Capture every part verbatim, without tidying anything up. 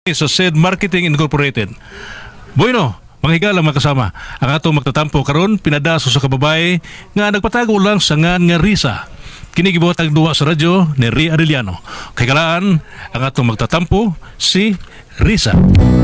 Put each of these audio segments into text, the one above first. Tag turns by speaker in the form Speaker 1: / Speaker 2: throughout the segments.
Speaker 1: sa S E D Marketing Incorporated. Bueno, mga higala mga kasama, ang atong magtatampo karon pinadaso sa kababay nga nagpatago lang sa ngan nga Risa. Kini gibuhat ang duwa sa radyo ni Ria Arellano. Kay kalaan, ang atong magtatampo si Risa.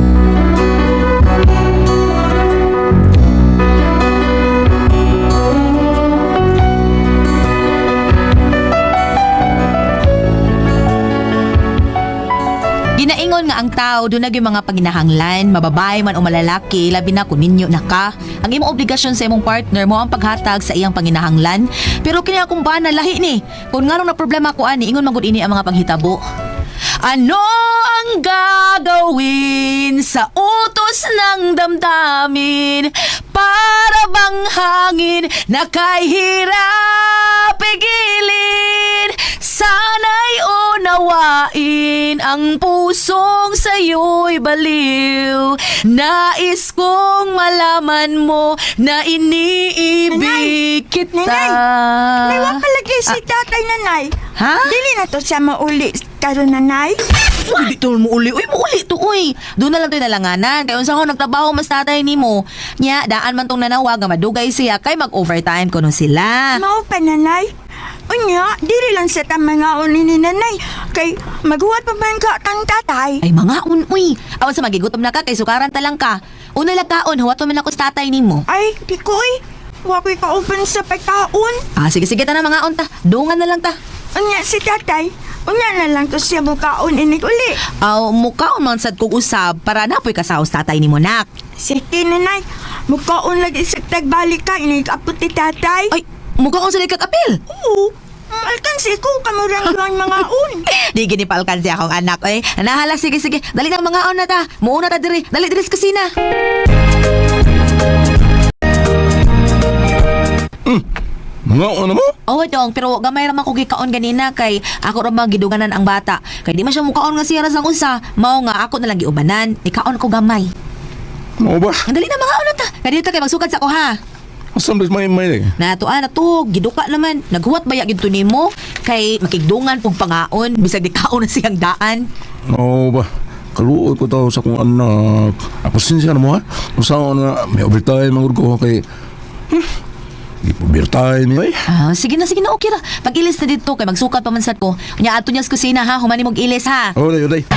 Speaker 2: Ginaingon nga ang tao doon na yung mga paginahanglan, mababay man o malalaki, labi na kung ninyo na ka. Ang imong obligasyon sa imong partner mo ang paghatag sa iyang panginahanglan. Pero kini akong bana lahi ni. Kung nga nung na problema ko ani, ingon magud ini ang mga panghitabo. Ano ang gagawin sa utos ng damdamin? Para bang hangin na kay hirap pigilin? Sana'y unawain ang pusong sa'yo'y baliw. Nais kong malaman mo na iniibig kita.
Speaker 3: Nanay, wa pa lagi si tatay nanay.
Speaker 2: Ha?
Speaker 3: Dili na to siya mauli karon nanay.
Speaker 2: Uy, dito mo uli. Uy, mo uli to, uy. Doon na lang to nalanganan. Kaya unsa ko nagtrabaho mas tatay ni mo. Nya, daan man tong nanawag nga madugay siya kay mag-overtime kuno sila.
Speaker 3: Mao pa nanay. Unya, dili lang sa tamang nga ni nanay. Kay maghuwat pa man ka kang tatay.
Speaker 2: Ay, mga un, uy. Awan sa magigutom na ka, kay sukaran talang ka. Una lang kaon, huwat man ako sa tatay ni mo.
Speaker 3: Ay, di ko eh. Wa ko'y ka-open sa pagkaon.
Speaker 2: Ah, sige, sige, ta na mga unta. Dungan na lang ta.
Speaker 3: Unya si tatay. Unya na lang to siya mukaon inig uli.
Speaker 2: Aw, mukhaon man sad kong usab para napoy kasaos tatay ni mo, nak.
Speaker 3: Sige nanay. Mukaon lagi sa tagbalik ka inig apot ti tatay.
Speaker 2: Ay, mukhaon sa likag-apil.
Speaker 3: Oo. Alkansi ko kamurang lang mga un.
Speaker 2: Di gini pa alkansi akong anak, eh. Nahala, sige, sige. Dali na mga on na ta. Muuna ta diri. Dali diri sa kusina.
Speaker 4: Mga ano mo?
Speaker 2: Oo, dong, pero gamay raman ko gikaon ganina kay ako ra magiduganan ang bata. Kay di man siya mukaon nga siya sang usa. Mao nga ako na lang giubanan. Ikaon ko gamay.
Speaker 4: Mo ba?
Speaker 2: Ang dali na mga on na ta. Kay dito kay magsugad sa ko ha.
Speaker 4: Asam bis may may eh.
Speaker 2: Natuan na to, giduka naman. Naghuwat baya gito nimo kay makigdungan pug pangaon bisag di kaon na siyang daan.
Speaker 4: Mo ba? Kaluoy ko tao sa kong anak. Ako sinsya na mo ha? Kung saan nga may overtime ang ko kay... Hmm, di po overtime eh.
Speaker 2: Ah, sige na, sige na, okay ra. Pag-ilis na dito kay magsukat pa man sad ko. Nya ato niya sa kusina ha, humani mong ilis ha.
Speaker 4: Oh, day, day.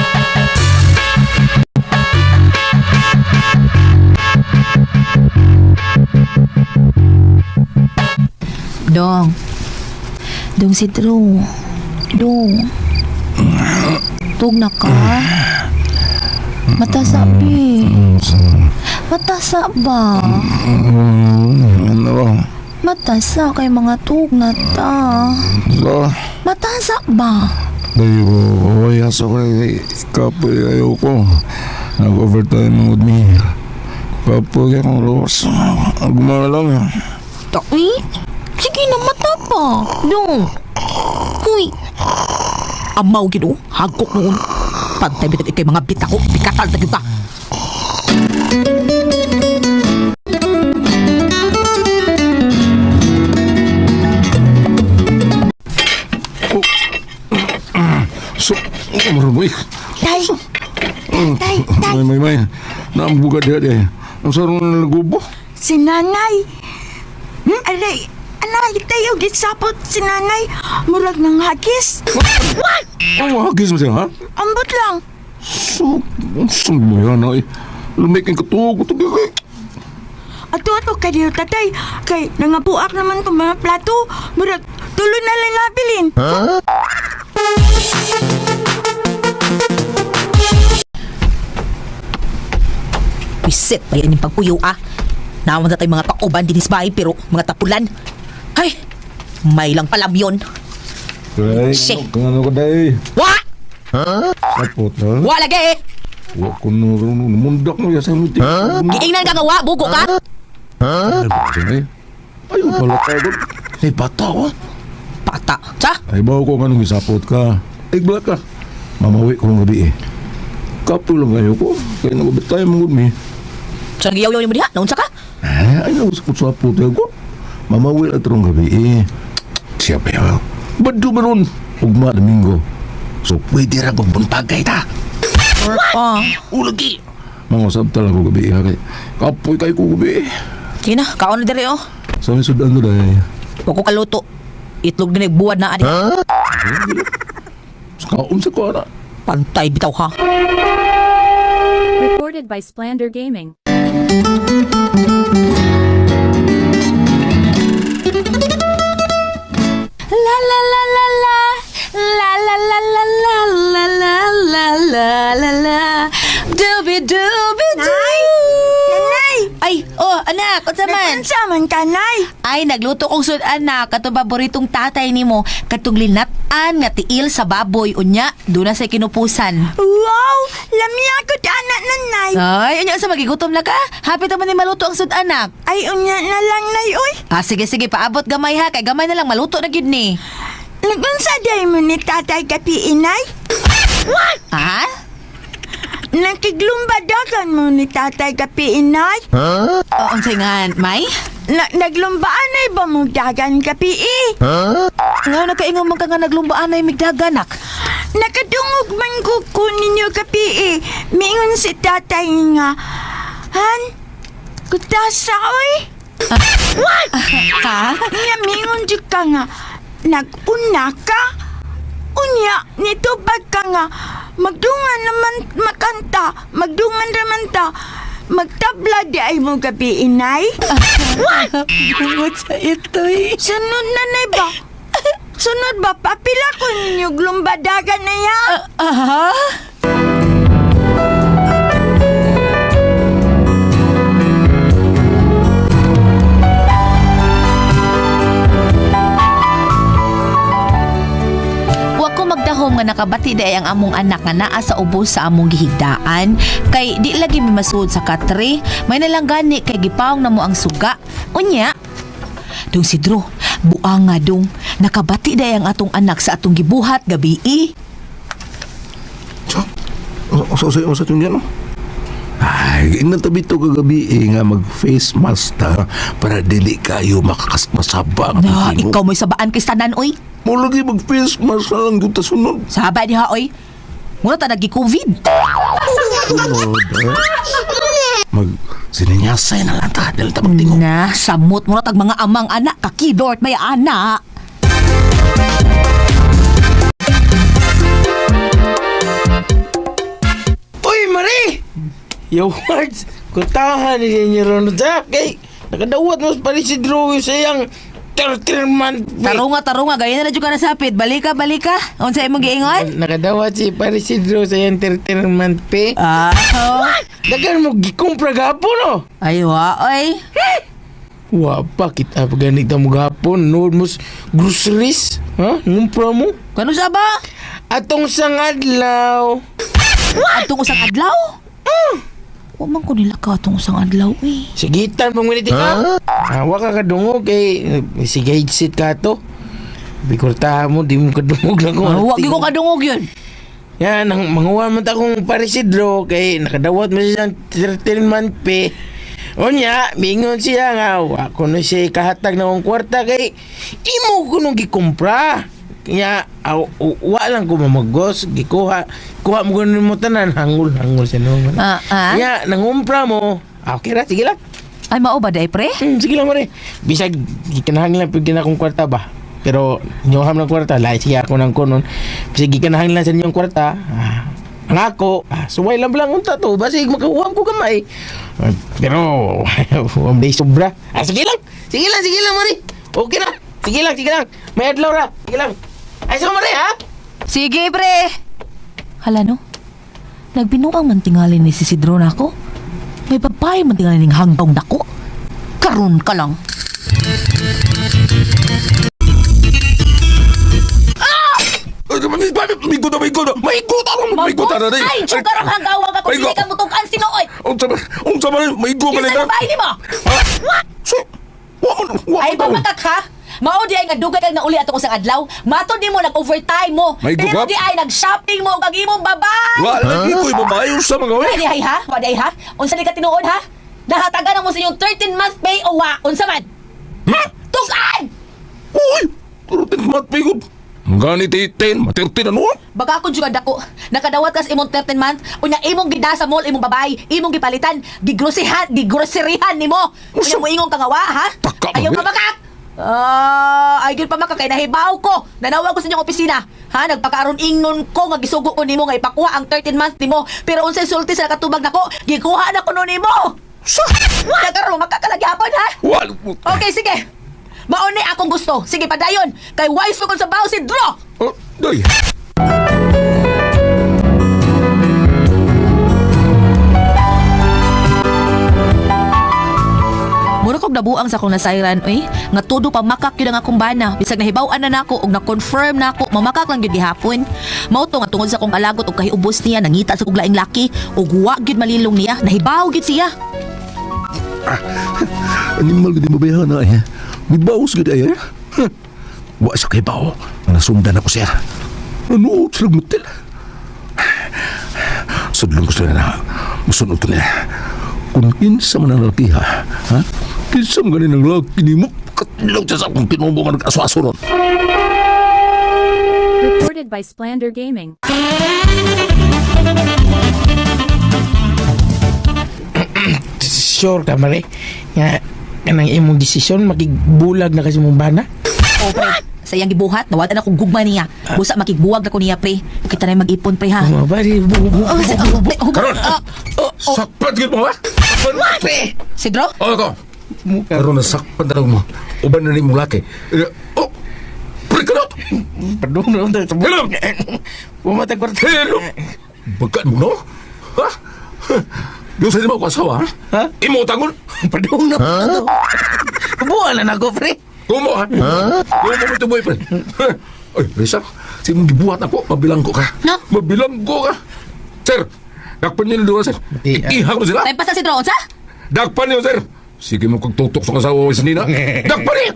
Speaker 2: Dong. Dong si Drew. Dong. Tug na ka. Matasa, pi. Matasa ba?
Speaker 4: Ano ba?
Speaker 2: Matasa kay mga tug na ta.
Speaker 4: So,
Speaker 2: Matasa ba?
Speaker 4: day ko, oh, yaso ko eh. Kapoy, ayaw ko. Nag-overtime ang with me. Kapoy, kaya kong lawas. Gumana lang yan.
Speaker 2: Uy, sige na, mata pa. Dong. Uy. Amaw gino, hagkok noon. Pantay bitag ikay mga bita ko, pikatal na kita.
Speaker 4: So, ano mo eh?
Speaker 3: Tay. Tay, tay.
Speaker 4: May, may, may. Naambuga dia dia. Ang sarong nalagubo.
Speaker 3: Si nanay. Hmm? Aray, anay, tayo gisapot si nanay. Murag ng hagis.
Speaker 4: Oh, hagis mo siya, ha?
Speaker 3: Ambot lang.
Speaker 4: So, saan mo yan, ay? Lumikin ka to, ko to, kay.
Speaker 3: Ato-ato ka diyo, tatay. Kay nangabuak naman itong mga plato. Murag, tuloy na lang nabilin.
Speaker 2: Pisit pa yan yung pagpuyo ah. Naman na tayo mga kauban dinis bahay pero mga tapulan. Ay, may lang palam yun.
Speaker 4: Day,
Speaker 2: Shit.
Speaker 4: ano, ano ka, day?
Speaker 2: Wa!
Speaker 4: Sapot, ha?
Speaker 2: Wa lagi eh!
Speaker 4: Wa ko na, mundak mo yan sa meeting.
Speaker 2: Giingnan ka nga wa, buko ka!
Speaker 4: Ano ba siya, ay? Ayaw pala ka, doon. Ay, bata, wa?
Speaker 2: Pata, sa?
Speaker 4: Ay, bawa ko nga nung isapot ka. Iglat ka. Mamawi ko ng gabi, eh. Kapo lang ayaw ko. Kaya nagabitay mo, good me.
Speaker 2: Sa nagiyaw-yaw mo diha, naunsa ka?
Speaker 4: Ay, ay, nausapot-sapot, eh, ko. Mamawi at rong gabi, eh. Siya pa yaw. Ba't doon Ugma Domingo. So pwede ra magbuntagay ta.
Speaker 2: Oh.
Speaker 4: Ulagi. Mangusap talaga ko gabi ha kay. Kapoy kay ko gabi.
Speaker 2: Kina, kaon na dire oh.
Speaker 4: Sa may sudan to dahil.
Speaker 2: Huwag ko kaluto. Itlog na nagbuwad na adi.
Speaker 4: Sa kaon sa ko na.
Speaker 2: Pantay bitaw ha.
Speaker 5: Recorded by Splander Gaming.
Speaker 2: La la la la la. La la la la la la la la la la la. Dooby dooby doo.
Speaker 3: Nanay!
Speaker 2: Ay, oh, anak, unsa man?
Speaker 3: Nagpunsa man ka, nay.
Speaker 2: Ay, nagluto kong sud anak, katong paboritong tatay nimo, katong linat-an nga tiil sa baboy unya, do na sa kinupusan.
Speaker 3: Wow! Lamya ko ta anak nanay.
Speaker 2: Ay, unya sa magigutom na ka? Hapit naman ni maluto ang sud anak.
Speaker 3: Ay, unya na lang, nay, oy.
Speaker 2: Ah, sige sige, paabot gamay ha, kay gamay na lang maluto na gyud ni.
Speaker 3: Nagpunsa day mo ni tatay kapi inay.
Speaker 2: Ha?
Speaker 3: Nakiglumba-dagan mo ni tatay kapi inay.
Speaker 2: Oo, unsay nga, may?
Speaker 3: Na naglumbaan ay ba mo dagan kapi eh?
Speaker 2: Nga nakaingon man ka nga naglumbaan ay migdaganak.
Speaker 3: Nakadungog man ko ko ninyo kapi eh. Mingon si tatay nga, Han, kutasa oy.
Speaker 2: Ha?
Speaker 3: Nga mingon di ka nga, nag-una ka? Unya, nito bag ka nga, magdungan naman makanta, magdungan naman ta, magtabla di ay mo gabi inay.
Speaker 2: Bungod sa ito'y.
Speaker 3: Sunod na na ba? Sunod ba? Papila ko ninyo glumbadagan na ya?
Speaker 2: Aha? Wa ko magdahom nga nakabati day ang among anak nga naa sa ubos sa among gihigdaan kay di lagi mi masuod sa katre may nalang gani kay gipawong namo ang suga unya dong sidro buang nga dong nakabati day ang atong anak sa atong gibuhat gabi i.
Speaker 4: So, so, so, so, so, so, ay, inantabi to kagabi eh, nga mag-face mask ta para dili kayo makakasmasaba.
Speaker 2: Na, ikaw mo'y sabaan kay tanan oy.
Speaker 4: Mo lagi mag-face mask na lang yung tasunod.
Speaker 2: Saba diha oy. Muna ta nagi-COVID.
Speaker 4: Sunod, eh. Mag, sininyasay na lang ta. Dahil ta magtingog.
Speaker 2: Na, samot mo na tag mga amang anak kakidort may anak.
Speaker 6: Uy, Marie! Yo, Wards! Kutahan ni niya ron sa kay nakadawat mo pa rin si Drew sa iyang thirteen month
Speaker 2: Tarunga tarunga gaya na jud ka nasapit. Balika balika. Unsa imong giingon?
Speaker 6: Nakadawat si pa rin si Drew sa iyang thirteen month pay.
Speaker 2: Ah, oh.
Speaker 6: Dagan mo gikumpra gapon, no?
Speaker 2: Ay wa oy.
Speaker 6: Wa pa kita paganit mo gapon. Nood mo s- groceries. Ha? Ngumpra mo?
Speaker 2: Kano sa ba?
Speaker 6: Atong sangadlaw.
Speaker 2: Atong usang adlaw? Wa man ko nila ka atong usang adlaw eh.
Speaker 6: Sigitan pang minute ka. Hawa ka kadungog kay sige sit ka to. Bikurta mo, di mo kadungog lang ko.
Speaker 2: Ah, wa gyud ko kadungog yun.
Speaker 6: Yan, nang manguha man ta kong parisidro kay nakadawat mo siyang thirteen month pay. Onya, mingon siya nga, wa ko na siya kahatag na kong kwarta kay imo ko nung gikumpra. Kaya, aw, wa lang ko mamagos, gikuha, kuha mo ganun mo tanan, hangul, hangul siya naman.
Speaker 2: Ah, ah.
Speaker 6: Kaya, nangumpra mo, ah, okay ra, sige lang.
Speaker 2: Ay mao ba day pre?
Speaker 6: Hmm, sige lang, mare. Bisag, gikanahang lang pag akong kwarta ba? Pero, nyoham ng kwarta, lahat sige ako ng kunon. Bisag, gikanahang lang sa inyong kwarta, ah, ang ako, ah, suway lang lang unta to, basig makahuam ko gamay. Ah, pero, huwag day sobra. Ah, sige lang, sige lang, sige lang, mare. Okay na, sige lang, sige lang. May adlaw ra, sige lang. Ay, sige, mare, ha?
Speaker 2: Sige pre. Hala no. Nagbinuang man tingali ni si Sidro nako. May babae man tingali ning hanggaw nako. Karon ka lang.
Speaker 4: Ay, migo na, migo na. Migo na, migo na na.
Speaker 2: Ay, siya karong hanggawa ka kung
Speaker 4: Ay,
Speaker 2: hindi
Speaker 4: go.
Speaker 2: ka mutukan sinuoy.
Speaker 4: Unsa ba, unsa ba, migo ka
Speaker 2: Isa
Speaker 4: na.
Speaker 2: babae ni mo.
Speaker 4: Ha? So, wa man, wa
Speaker 2: Ay,
Speaker 4: man daw.
Speaker 2: pamatak ha? Mao di ay nga dugay kag nauli atong usang adlaw. Mato di mo nag-overtime mo.
Speaker 4: May
Speaker 2: Pero
Speaker 4: gugap?
Speaker 2: di ay nag-shopping mo kag imong babae.
Speaker 4: Wa lagi ko'y babae sa mga we.
Speaker 2: Wadi ay ha? Wadi ay ha? Unsa di ka tinuod ha? Nahatagan na mo sa inyong thirteen month pay o wa? Unsa man?
Speaker 4: Ha?
Speaker 2: Tugan!
Speaker 4: Uy, turutin mat migo. Gani titin, matirtin ano?
Speaker 2: Baka ako jud dako. Nakadawat kas imong thirteen month, unya imong gida sa mall imong babae, imong gipalitan, gigrosihan, gigroserihan nimo. Unya mo ingong kangawa, ha?
Speaker 4: Taka,
Speaker 2: Ayaw ka
Speaker 4: babe.
Speaker 2: baka. Ah, ay gyud pa maka kay nahibaw ko. Nanawag ko sa inyong opisina. Ha, nagpakaaron ingon ko nga gisugo ko nimo nga ipakuha ang thirteen months nimo. Pero unsay sulti sa nakatubag nako, gikuha na ko no nimo.
Speaker 4: Sa?
Speaker 2: Nagkaroon makakalagyapon, ha?
Speaker 4: Wal.
Speaker 2: Okay, sige. Mauni akong gusto. Sige, padayon. Kay wise ko sa baho si Dro.
Speaker 4: Oh, day.
Speaker 2: Mura kog nabuang sa akong nasayran, oy. Nga todo pa makak yun ang akong bana. Bisag nahibaw-an na nako og na-confirm na ako, mamakak lang yun gihapon. Mao to nga tungod sa akong alagot og kahiubos niya, nangita sa kong laing laki, og wa gyud malilong niya, nahibaw gyud siya.
Speaker 4: Animal gudi mabayahan na eh. May bawas gudi ay eh. Huh. Wa sa kay bao. Nasundan ako siya. Ano? Silag mutil. Sudlong ko sila na. Musunod ko nila. Kung kinsa man ang lalaki ha. Ha? Kinsa man ganin ang lalaki ni mo. Katilaw siya sa akong pinubo nga nag-aswaso ron.
Speaker 5: Recorded by Splander Gaming.
Speaker 6: Sure ka, Mare. Nga, kanang imong desisyon, makigbulag na kasi mong bana.
Speaker 2: O pre, sa iyang gibuhat, nawala na akong gugma niya. Busa makigbuwag na ko niya, pre. Kita na yung mag-ipon, pre, ha?
Speaker 6: Mga bari, bu, bu,
Speaker 2: Oh, si, oh, pre, oh,
Speaker 4: Karon!
Speaker 2: ah,
Speaker 4: Sakpan gid mo ha?
Speaker 6: Pre!
Speaker 2: si Dro?
Speaker 4: O ako. Karon na sakpan talaga mo. Uban na ni mong laki. Eh, Oh! Pre ka na!
Speaker 6: Pardon na, unta.
Speaker 4: Hello!
Speaker 6: Pumatag kwarta.
Speaker 4: Hello! Bagat mo no? Ha? Yung sa di mo ako asawa ha?
Speaker 6: Ha?
Speaker 4: Imo tangon?
Speaker 6: Pardon na. Kubuhan na nako, pre.
Speaker 4: Kumo ha? Kumo mo ito boyfriend. Ay, Risa, si mong gibuhat ako, mabilang ko ka.
Speaker 2: No?
Speaker 4: Mabilang ko ka. Sir, dakpan niyo doon, sir.
Speaker 6: Di, ah.
Speaker 4: Iihang mo sila.
Speaker 2: Time pa sa si Dro, sa?
Speaker 4: Dakpan niyo, sir. Sige mo kong tutok sa kasawa ko sa nina. Dakpan niyo!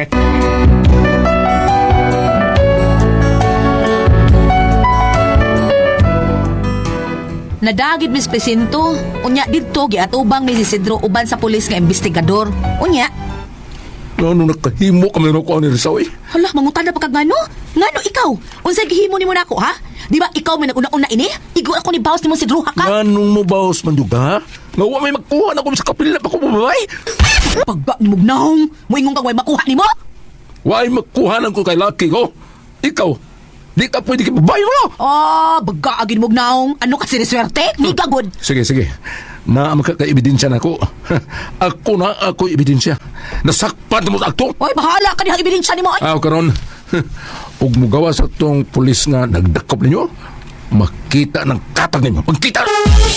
Speaker 2: Nadagid mis presinto. Unya didto giatubang mi si Sidro uban sa pulis nga investigador. Unya,
Speaker 4: Ano nakahimo kami na ko ni Risa, eh?
Speaker 2: hala mangutan na pagkag ngano? Ngano ikaw? Unsay gihimo nimo nako, ha? Di ba ikaw may naguna-una ini? Igo ako ni boss nimo si Drew, ha ka?
Speaker 4: Anong mo baos man duga? Nga wa may magkuha na ko sa kapila pa ko babay.
Speaker 2: Pagba ni mugnahong, moingon kang way makuha nimo?
Speaker 4: Wa ay magkuha na ko kay laki ko. Ikaw, di ka pwede kay babae mo.
Speaker 2: Ah, baga agin mugnahong. Ano ka siniswerte? Miga good.
Speaker 4: Sige, sige. Na makaka-ebidensya na ako. Ako na ako ebidensya. Nasakpan mo sa akto.
Speaker 2: Oy, bahala ka dihang ebidensya nimo. Ay,
Speaker 4: Ah, karon. Ug mugawa sa tong pulis nga nagdakop ninyo, makita ng katag ninyo. Magkita!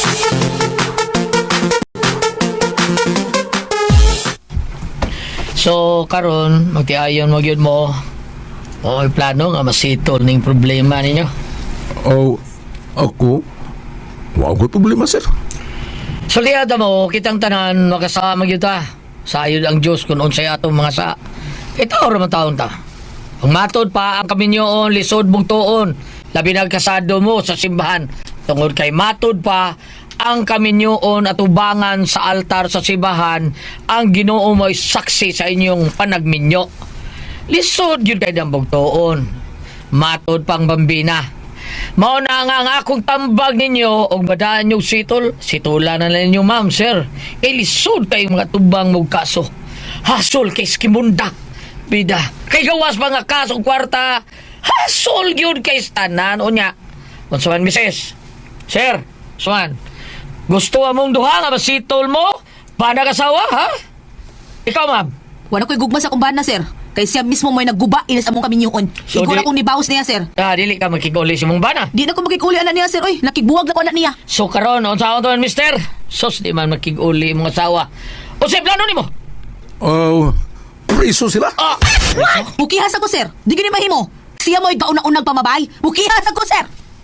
Speaker 7: So karon magtiayon mo gyud mo o plano nga masitol ning problema ninyo.
Speaker 4: Oh, ako? Wow, ko problema, sir.
Speaker 7: Suliada mo kitang tanan makasama gyud ta. Sayod ang Dios kun unsay atong mga sa. Ito ra man taon ta. Ang matod pa ang kaminyoon lisod mong tuon. Labi na kasado mo sa simbahan. Tungod kay matod pa ang kaminyoon at ubangan sa altar sa simbahan ang Ginoo mo'y saksi sa inyong panagminyo. Lisod yun kay dambog tuon. Matod pang bambina. Mao na nga ang akong tambag ninyo og badaan nyo sitol. Situla na lang ninyo, ma'am, sir. E lisod kay mga tubang mong kaso. Hasol kay skimunda. Bida. Kay gawas mga kaso kwarta. Hasol yun kay stanan. O nya. Kunsuman, misis. Sir, Swan. Gusto mong duha nga masitol mo? Panag-asawa, ha? Ikaw, ma'am.
Speaker 2: wala ko'y gugma sa kumbana, sir. Kay siya mismo mo'y nagguba inis among kaminyoon.
Speaker 7: So,
Speaker 2: Igo
Speaker 7: di-
Speaker 2: na kong nibawas niya, sir.
Speaker 7: Ah, dili ka magkikuli si mong bana.
Speaker 2: Di na ko makikuli anak niya, sir. Oy, nakigbuwag na ko anak niya.
Speaker 7: So karon unsa ako to, mister? Sos di man makig-uli mong asawa. O sa plano nimo?
Speaker 4: Oh, preso sila.
Speaker 7: Ah,
Speaker 2: Mukihas ako, sir. Di gini mahimo. Siya mo'y gauna-unang pamabay. Mukihas ako, sir.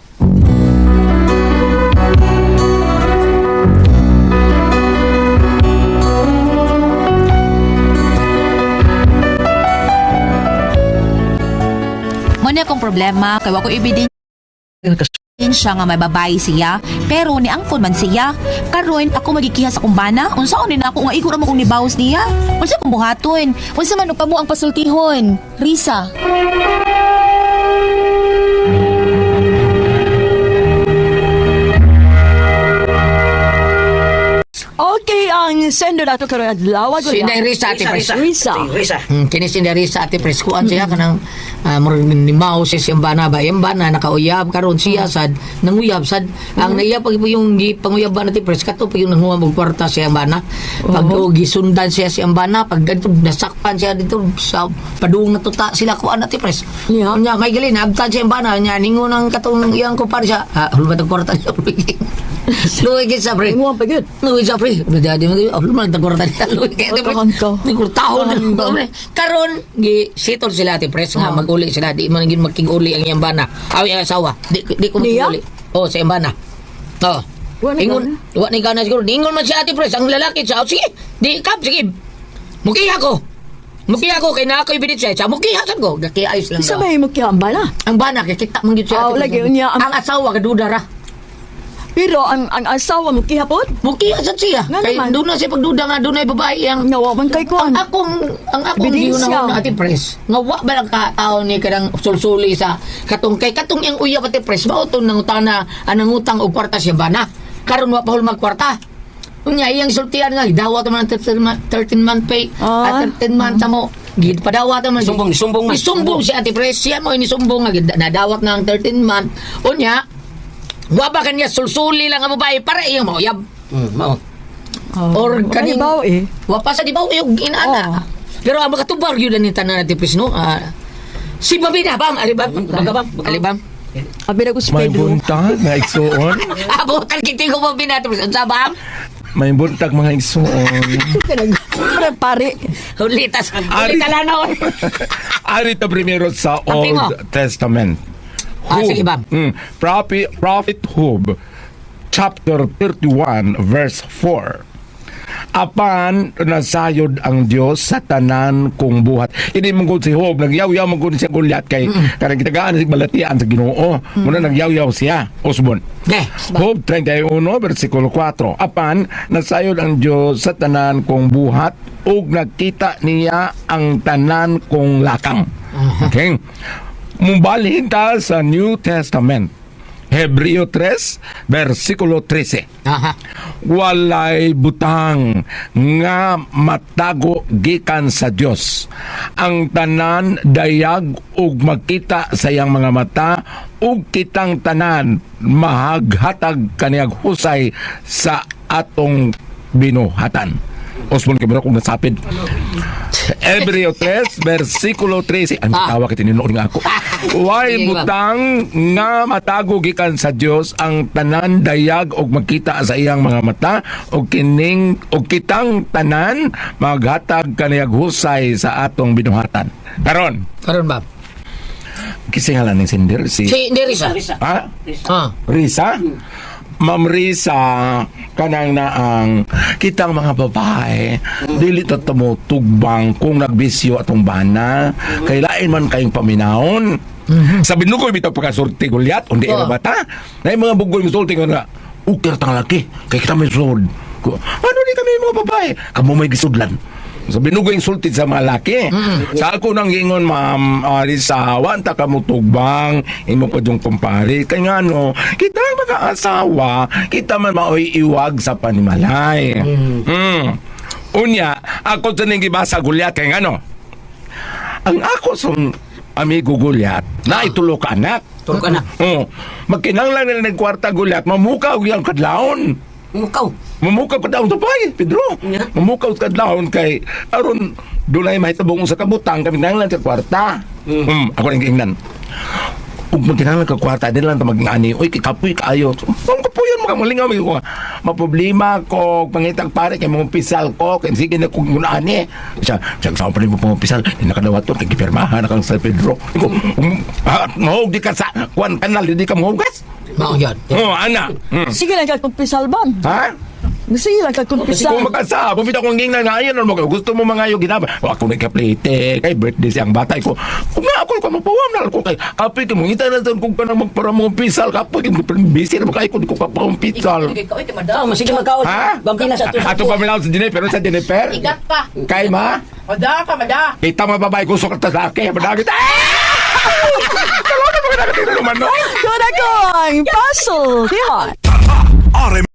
Speaker 2: Muna akong problema, kaya ako ebidensya nga may babae siya, pero ni angkon man siya. Karon ako magikiha sa kumbana, unsaon ni nako nga igo ra mo kong nibawas niya. Unsa kong buhaton? Unsa man og kamo ang pasultihon? Risa.
Speaker 3: Okay, ang sender nato karon adlaw
Speaker 7: Si Inday Risa, Ate Pres.
Speaker 3: Risa.
Speaker 8: Risa.
Speaker 7: Hmm, kini si Inday Risa, Ate Pres. Kuan siya kanang uh, nimaw si Siambana ba? Yambana nakauyab karon siya sad nanguyab sad. Ang naiyab pag yung gi- panguyab ba Ate Pres kato pag yung nanguha og kwarta si Siambana. Pag oh. gisundan siya si Siambana pag ganito nasakpan siya dito sa padung natuta sila kuan Ate Pres.
Speaker 3: Yeah.
Speaker 7: Nya may gali naabtan si Siambana nya ningon ang katong iyang kupar siya. Ah, hulmat ang kwarta niya. Luwi gid sa pre.
Speaker 3: Mo pa gud.
Speaker 7: Luwi sa pre. Udah jadi mo oh, lumayan tag kwarta niya. Luwi kay Ate Pres.
Speaker 3: Tahan ka.
Speaker 7: Ni kurtahon
Speaker 3: Tahan ka.
Speaker 7: na karon gi sitol sila Ate Pres nga
Speaker 3: Oh.
Speaker 7: maguli sila di man gid makig-uli ang iyang bana. Aw ang asawa. Di di ko
Speaker 3: Niya?
Speaker 7: makig-uli. Oh, sa iyang bana. Oh.
Speaker 3: Wa na
Speaker 7: Ingon, wa ni kana siguro. Ingon man si Ate Pres ang lalaki sa sige. Di kap sige. Mukiha ko. Mukiha ko kay na ako'y binit siya. Sa mukiha sad ko. Gaki ayos lang.
Speaker 3: Isa
Speaker 7: daw.
Speaker 3: ba mo kiyamba na?
Speaker 7: Ang bana kay kita man gid siya.
Speaker 3: Oh,
Speaker 7: Ate Pres.
Speaker 3: lagi, unya, ang-
Speaker 7: ang asawa kaduda ra.
Speaker 3: Pero ang ang asawa mo kihapon?
Speaker 7: Mukiha sad siya.
Speaker 3: Nga
Speaker 7: Kay
Speaker 3: naman.
Speaker 7: doon na siya pagduda nga doon ay babae ang
Speaker 3: Nawaman kay kuan.
Speaker 7: Ang akong ang akong
Speaker 3: Ebidensya.
Speaker 7: gihunahon na Ate Pres. Nga wa ba lang ka tao ni kadang sulsuli sa katong kay katong yang uyab Ate Pres mao to nang utana anang utang og kwarta siya bana. Karon wa pa hul magkwarta. Unya iyang sultian nga dawat man thirteen month pay
Speaker 3: Ah.
Speaker 7: at thirteen month mo. Gid padawat man
Speaker 8: Sumbong, sumbong man.
Speaker 7: Isumbong si Ate Pres siya mo ini sumbong nga gid nadawat na ang thirteen month. Unya wa ba kanya sulsuli lang ang babae para iyang mauyab.
Speaker 8: Hmm, mao.
Speaker 7: Or kaning
Speaker 3: baw eh.
Speaker 7: wa pa sa di ba yung inaana. Pero ang makatubar yun ni tanan natin Pres no. Ah, si Babina bam, alibam, magabam, alibam.
Speaker 3: Abi na ko si
Speaker 4: May
Speaker 3: Pedro.
Speaker 4: buntag nga igsuon.
Speaker 7: Abutan kiting ko Babina Pres sa bam.
Speaker 4: May buntag mga igsuon.
Speaker 3: Parang pare.
Speaker 7: Ulitas,
Speaker 4: Ari.
Speaker 7: ulit talanaw.
Speaker 4: Ari ta primero sa
Speaker 7: Api mo.
Speaker 4: Old Testament.
Speaker 7: Ah,
Speaker 4: Hub.
Speaker 7: sige, Bam.
Speaker 4: Mm, Prophet, Prophet Hub, chapter thirty-one, verse four. Apan nasayod ang Dios sa tanan kong buhat. Ini mong si Hub, nagyaw-yaw mong siya gulyat kay karang kitagaan sa balatian sa Ginoo. Muna nagyaw-yaw siya, Osbon.
Speaker 7: Okay.
Speaker 4: Job thirty-one, versikulo four. Apan, nasayod ang Diyos sa tanan kong buhat ug nagkita niya ang tanan kong lakang. Okay? Mumbalhin ta sa New Testament. Hebreo three, versikulo thirteen.
Speaker 7: Aha.
Speaker 4: Walay butang nga matago gikan sa Dios. Ang tanan dayag ug magkita sa iyang mga mata ug kitang tanan mahaghatag kaniyag husay sa atong binuhatan. Osmon kabro kung nasapid. Hebreo three, versikulo thirteen. Ang
Speaker 7: Ah.
Speaker 4: tawa kita tinuod nga ako. Way
Speaker 7: Sige,
Speaker 4: butang nga matago gikan sa Dios ang tanan dayag og makita sa iyang mga mata og kining og kitang tanan maghatag kaniyag husay sa atong binuhatan. Karon,
Speaker 7: Karon ba?
Speaker 4: kisingalan ning sindir si
Speaker 7: Si Derisa.
Speaker 4: ha?
Speaker 7: Ah.
Speaker 4: Risa? Ma'am Risa, kanang na ang kitang mga babae, dili ta mo tugbang kung nagbisyo atong bana, kay lain man kayong paminahon. Sabi nung ko, bitaw pagkasurti gulyat, undi
Speaker 7: Oh.
Speaker 4: oh. bata. Na yung mga bugoy musulti ko na, ukir tang laki, kay kita may sulod. Ko, ano di kami mga babae? Kamu may gisudlan. Sabi nung ko yung sulti sa mga laki. Sa ako nang ingon, ma'am, uh, Risa, wanta ka mo tugbang, imo pa yung kumpari. Kaya nga no, kita ang mga asawa, kita man maoy iwag sa panimalay. Mm. Unya, ako sa nang gibasa gulyat, kaya nga no, ang ako sa amigo gulyat, na itulo ka anak.
Speaker 8: Tulog ka na.
Speaker 4: Oh, magkinanglan na nagkwarta gulyat, mamukaw yung kadlaon.
Speaker 8: Mukaw.
Speaker 4: Mamukaw ka daw sa pay, Pedro.
Speaker 8: Yeah.
Speaker 4: Mamukaw ka daw kay aron dunay mahitabong sa kabutang kami nanglan sa kwarta.
Speaker 8: Mm.
Speaker 4: Mm, ako ning ingnan. Ug magkinanglan ka kwarta din lang ta magngani, oy kikapoy kaayo. Ang kapuyon mo ka malingaw ko. Maproblema ko pangitag pare kay mga pisal ko, kay sige na kung ani. Siya, siya sa pa mo mga pisal, di nakadawat to kay gipirmahan na kang sa Pedro. Ko, um, ah, mahog di ka sa kwan kanal, di ka mahugas.
Speaker 7: Mao yan.
Speaker 4: Oh, ana. Mm.
Speaker 3: Sige lang ka kumpisal ban.
Speaker 4: Ha?
Speaker 3: Sige lang ka kumpisal.
Speaker 4: Kung magkasa, pumita kong ging na nga yan, ano, gusto mo mga yung ginaba. O ako nagkaplite, kay birthday siyang bata ko. Kung nga ako, kung mapawam na ako kay, kapoy ka mo, ngita na doon kung ka na magpara mo pisal, kapoy ka mo, busy na makay ko, di ko pa pang pisal.
Speaker 8: Tao, sige magkaon.
Speaker 4: Ha?
Speaker 8: Bambina sa
Speaker 4: Ato pa milaw sa Jennifer, pero sa Jennifer?
Speaker 7: Igat pa.
Speaker 4: Kay ma?
Speaker 7: Mada ka, mada.
Speaker 4: Kita mga babae, gusto ka ta sa akin, madagit. Ah! Talaga ba ka nakatira naman, no?
Speaker 3: Doon ako ang puzzle, diha.
Speaker 9: R M